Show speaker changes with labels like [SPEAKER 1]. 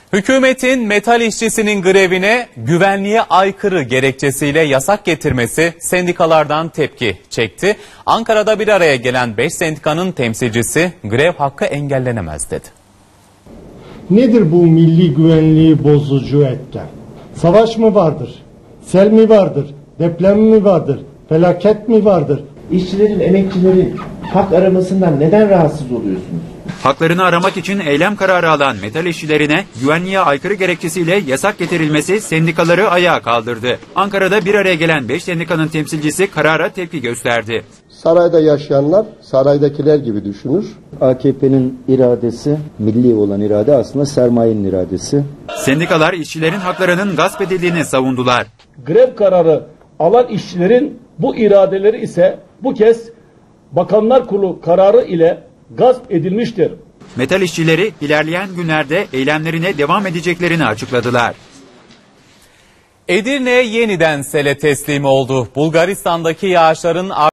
[SPEAKER 1] Hükümetin metal işçisinin grevine güvenliğe aykırı gerekçesiyle yasak getirmesi sendikalardan tepki çekti. Ankara'da bir araya gelen 5 sendikanın temsilcisi grev hakkı engellenemez dedi.
[SPEAKER 2] Nedir bu milli güvenliği bozucu etken? Savaş mı vardır? Sel mi vardır? Deprem mi vardır? Felaket mi vardır?
[SPEAKER 3] İşçilerin, emekçilerin hak aramasından neden rahatsız oluyorsunuz?
[SPEAKER 4] Haklarını aramak için eylem kararı alan metal işçilerine güvenliğe aykırı gerekçesiyle yasak getirilmesi sendikaları ayağa kaldırdı. Ankara'da bir araya gelen 5 sendikanın temsilcisi karara tepki gösterdi.
[SPEAKER 5] Sarayda yaşayanlar saraydakiler gibi düşünür.
[SPEAKER 6] AKP'nin iradesi, milli olan irade aslında sermayenin iradesi.
[SPEAKER 4] Sendikalar işçilerin haklarının gasp edildiğini savundular.
[SPEAKER 7] Grev kararı alan işçilerin bu iradeleri ise bu kez Bakanlar Kurulu kararı ile gasp edilmiştir.
[SPEAKER 4] Metal işçileri ilerleyen günlerde eylemlerine devam edeceklerini açıkladılar.
[SPEAKER 1] Edirne yeniden sele teslim oldu. Bulgaristan'daki yağışların